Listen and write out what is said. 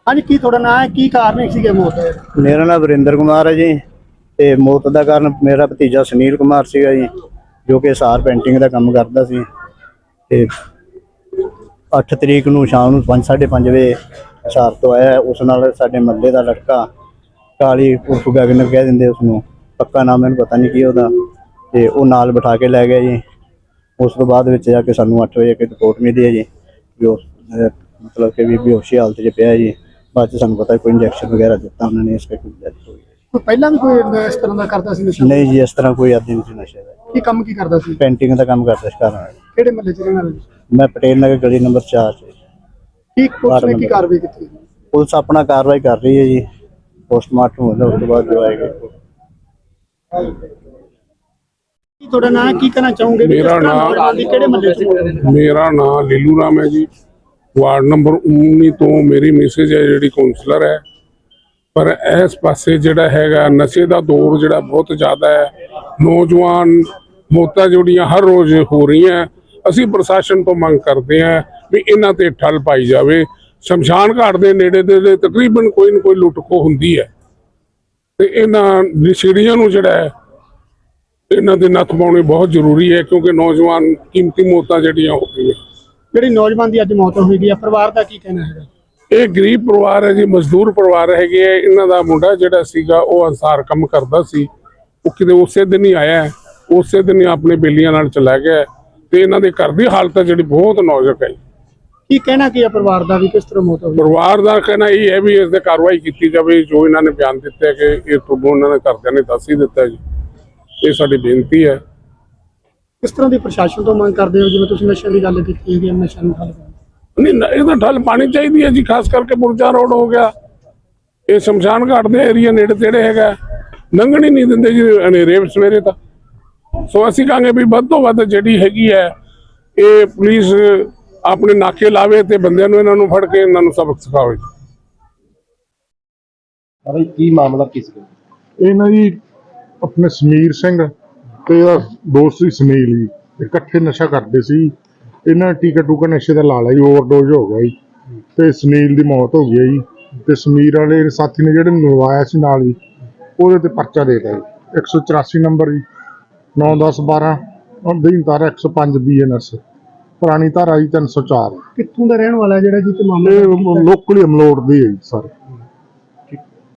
हाँ जी, की थोड़ा नाम है, की कारण सीगे मौत है? मेरा नाम वरिंदर कुमार है जी। ਤੇ ਮੌਤ ਦਾ ਕਾਰਨ ਮੇਰਾ ਭਤੀਜਾ ਸੁਨੀਲ ਕੁਮਾਰ ਸੀਗਾ ਜੀ, ਜੋ ਕਿ ਸਾਰ ਪੇਂਟਿੰਗ ਦਾ ਕੰਮ ਕਰਦਾ ਸੀ। ਤੇ 8 ਤਰੀਕ ਨੂੰ ਸ਼ਾਮ ਨੂੰ 5:30 ਵਜੇ ਸਾਰ ਤੋਂ ਆਇਆ। ਉਸ ਨਾਲ ਸਾਡੇ ਮੱਲੇ ਦਾ ਲੜਕਾ ਕਾਲੀ ਉਰਫ ਗਗਨ ਕਹਿ ਦਿੰਦੇ ਉਸਨੂੰ, ਪੱਕਾ ਨਾਮ ਮੈਨੂੰ ਪਤਾ ਨਹੀਂ ਕੀ ਉਹਦਾ, ਤੇ ਉਹ ਨਾਲ ਬਿਠਾ ਕੇ ਲੈ ਗਿਆ ਜੀ। ਉਸ ਤੋਂ ਬਾਅਦ ਵਿੱਚ ਜਾ ਕੇ ਸਾਨੂੰ 8 ਵਜੇ ਰਿਪੋਰਟ ਮਿਲੀ ਹੈ ਜੀ, ਜੋ ਮਤਲਬ ਕਿ ਵੀ ਬੇਹੋਸ਼ੀ ਹਾਲਤ 'ਚ ਪਿਆ ਜੀ। ਬਾਅਦ 'ਚ ਸਾਨੂੰ ਪਤਾ ਕੋਈ ਇੰਜੈਕਸ਼ਨ ਵਗੈरह ਦਿੱਤਾ ਉਹਨਾਂ ਨੇ, ਇਸ ਕਰਕੇ ਡੈਥ ਹੋ ਗਈ। ਪਹਿਲਾਂ ਵੀ ਕੋਈ ਇਸ ਤਰ੍ਹਾਂ ਦਾ ਕਰਦਾ ਸੀ ਨਸ਼ਾ? ਨਹੀਂ ਜੀ, ਇਸ ਤਰ੍ਹਾਂ ਕੋਈ ਆਦੀ ਨਹੀਂ ਸੀ ਨਸ਼ੇ ਦਾ। ਕੀ ਕੰਮ ਕੀ ਕਰਦਾ ਸੀ? पेंटिंग का काम करता है घर। ਕਿਹੜੇ ਮਹੱਲੇ 'ਚ ਰਹਿਣ ਵਾਲੇ? मैं पटेल नगर गली नंबर 4 से। ਕੀ ਪੁਲਿਸ ਨੇ ਕੀ ਕਾਰਵਾਈ ਕੀਤੀ? पुलिस अपना कार्रवाई कर रही है जी, पोस्टमार्टम होगा उसके बाद जो आएगा। ਕੀ ਤੁਹਾਡਾ ਨਾਮ ਹੈ, ਕੀ ਕਹਿਣਾ ਚਾਹੋਗੇ? ਮੇਰਾ ਨਾਮ ਕਿਹੜੇ ਮਹੱਲੇ 'ਚ? ਮੇਰਾ ਨਾਮ ਲੀਲੂ ਰਾਮ ਹੈ ਜੀ। ਵਾਰਡ ਨੰਬਰ 19 ਤੋਂ ਮੇਰੀ ਮੈਸੇਜ ਹੈ ਜਿਹੜੀ ਕਾਉਂਸਲਰ ਹੈ। ਪਰ ਇਸ ਪਾਸੇ ਜਿਹੜਾ ਹੈਗਾ ਨਸ਼ੇ ਦਾ ਦੌਰ ਜਿਹੜਾ ਬਹੁਤ ਜ਼ਿਆਦਾ ਹੈ। ਨੌਜਵਾਨ ਮੌਤਾਂ ਜਿਹੜੀਆਂ ਹਰ ਰੋਜ਼ ਹੋ ਰਹੀਆਂ। ਅਸੀਂ ਪ੍ਰਸ਼ਾਸਨ ਤੋਂ ਮੰਗ ਕਰਦੇ ਹਾਂ ਵੀ ਇਹਨਾਂ ਤੇ ਠੱਲ ਪਾਈ ਜਾਵੇ। ਸ਼ਮਸ਼ਾਨ ਘਾਟ ਦੇ ਨੇੜੇ ਦੇ ਤਕਰੀਬਨ ਕੋਈ ਨਾ ਕੋਈ ਲੁੱਟ ਖੋਹ ਹੁੰਦੀ ਹੈ, ਤੇ ਇਹਨਾਂ ਨਸ਼ੇੜੀਆਂ ਨੂੰ ਜਿਹੜਾ ਹੈ ਇਹਨਾਂ ਦੇ ਨੱਥ ਪਾਉਣੀ ਬਹੁਤ ਜ਼ਰੂਰੀ ਹੈ, ਕਿਉਂਕਿ ਨੌਜਵਾਨ ਕੀਮਤੀ ਮੌਤਾਂ ਜਿਹੜੀਆਂ ਹੋ ਗਈਆਂ। ਜਿਹੜੀ ਨੌਜਵਾਨ ਦੀ ਅੱਜ ਮੌਤ ਹੋਈ ਗਈ ਹੈ, ਪਰਿਵਾਰ ਦਾ ਕੀ ਕਹਿਣਾ ਹੈਗਾ? ਇਹ ਗਰੀਬ ਪਰਿਵਾਰ ਹੈ ਜੀ, ਮਜ਼ਦੂਰ ਪਰਿਵਾਰ ਹੈਗੇ ਹੈ। ਇਹਨਾਂ ਦਾ ਮੁੰਡਾ ਜਿਹੜਾ ਸੀਗਾ ਉਹ ਅਨਸਾਰ ਕੰਮ ਕਰਦਾ ਸੀ। ਉਹ ਕਿਤੇ ਉਸੇ ਦਿਨ ਹੀ ਆਇਆ, ਉਸੇ ਦਿਨ ਹੀ ਆਪਣੇ ਬੇਲੀਆਂ ਨਾਲ ਚਲਾ ਗਿਆ, ਤੇ ਇਹਨਾਂ ਦੇ ਘਰ ਦੀ ਹਾਲਤ ਜਿਹੜੀ ਬਹੁਤ ਨਾਜ਼ੁਕ ਹੈ। ਕੀ ਕਹਿਣਾ ਕੀ ਹੈ ਪਰਿਵਾਰ ਦਾ ਵੀ, ਕਿਸ ਤਰ੍ਹਾਂ ਮੌਤ ਹੋਈ? ਪਰਿਵਾਰ ਦਾ ਕਹਿਣਾ ਇਹ ਹੈ ਵੀ ਇਸ ਤੇ ਕਾਰਵਾਈ ਕੀਤੀ ਜਾਵੇ। ਜੋ ਇਹਨਾਂ ਨੇ ਬਿਆਨ ਦਿੱਤੇ ਕਿ ਇਹ ਤੁਹਾਨੂੰ ਉਹਨਾਂ ਦੇ ਘਰਦਿਆਂ ਨੇ ਦੱਸ ਹੀ ਦਿੱਤਾ ਜੀ, ਇਹ ਸਾਡੀ ਬੇਨਤੀ ਹੈ। ਕਿਸ ਤਰ੍ਹਾਂ ਦੀ ਪ੍ਰਸ਼ਾਸਨ ਤੋਂ ਮੰਗ ਕਰਦੇ ਹੋ? ਜਿਵੇਂ ਤੁਸੀਂ ਨਸ਼ਿਆਂ ਦੀ ਗੱਲ ਕੀਤੀ ਹੈਗੀ, ਨਸ਼ਿਆਂ ਨੂੰ ਠੱਲ ਪਾਉਣ। ਨਹੀਂ, ਇਹਦਾ ਠੱਲ ਪਾਣੀ ਚਾਹੀਦੀ ਹੈ ਜੀ, ਖਾਸ ਕਰਕੇ ਪੁਰਜਾ ਰੋਡ ਹੋ ਗਿਆ, ਇਹ ਸ਼ਮਸ਼ਾਨ ਘਾਟ ਦੇ ਏਰੀਆ ਨੇੜੇ ਤੇੜੇ ਹੈਗਾ, ਲੰਘਣ ਹੀ ਨਹੀਂ ਦਿੰਦੇ ਜੀ ਹਨੇਰੇ ਸਵੇਰੇ ਤਾਂ। ਸੋ ਅਸੀਂ ਕਹਾਂਗੇ ਵੀ ਵੱਧ ਤੋਂ ਵੱਧ ਜਿਹੜੀ ਹੈਗੀ ਹੈ ਇਹ ਪੁਲਿਸ ਆਪਣੇ ਨਾਕੇ ਲਾਵੇ ਤੇ ਬੰਦਿਆਂ ਨੂੰ ਇਹਨਾਂ ਨੂੰ ਫੜ ਕੇ ਇਹਨਾਂ ਨੂੰ ਸਬਕ ਸਿਖਾਵੇ। ਅਰੇ ਕੀ ਮਾਮਲਾ ਕਿਸ ਦਾ? ਇਹ ਨਾ ਜੀ ਆਪਣੇ ਸਮੀਰ ਸਿੰਘ ਤੇ ਇਹਦਾ ਦੋਸਤ ਸੀ ਸੁਨੀਲ ਜੀ, ਇਕੱਠੇ ਨਸ਼ਾ ਕਰਦੇ ਸੀ। ਇਹਨਾਂ ਟੀਕਾ ਟੂਕਾ ਨਸ਼ੇ ਦਾ ਲਾ ਲਿਆ ਜੀ, ਓਵਰਡੋਜ਼ ਹੋ ਗਿਆ ਜੀ, ਤੇ ਸੁਨੀਲ ਦੀ ਮੌਤ ਹੋ ਗਈ ਜੀ। ਤੇ ਸਮੀਰ ਵਾਲੇ ਸਾਥੀ ਨੇ ਜਿਹੜੇ ਨਵਾਇਆ ਸੀ ਨਾਲ ਜੀ, ਉਹਦੇ ਤੇ ਪਰਚਾ ਦੇ ਦਿੱਤਾ ਜੀ, 184 ਨੰਬਰ ਜੀ, 9/10/12 ਅਧੀਨ ਧਾਰਾ 105 BNS, ਪੁਰਾਣੀ ਧਾਰਾ ਜੀ 304। ਕਿੱਥੋਂ ਦਾ ਰਹਿਣ ਵਾਲਾ ਜਿਹੜਾ ਜੀ ਤੇ ਮਾਮਲਾ? ਇਹ ਲੋਕਲੀ ਅਮਲੋਟ ਦੀ ਹੈ ਜੀ ਸਰ।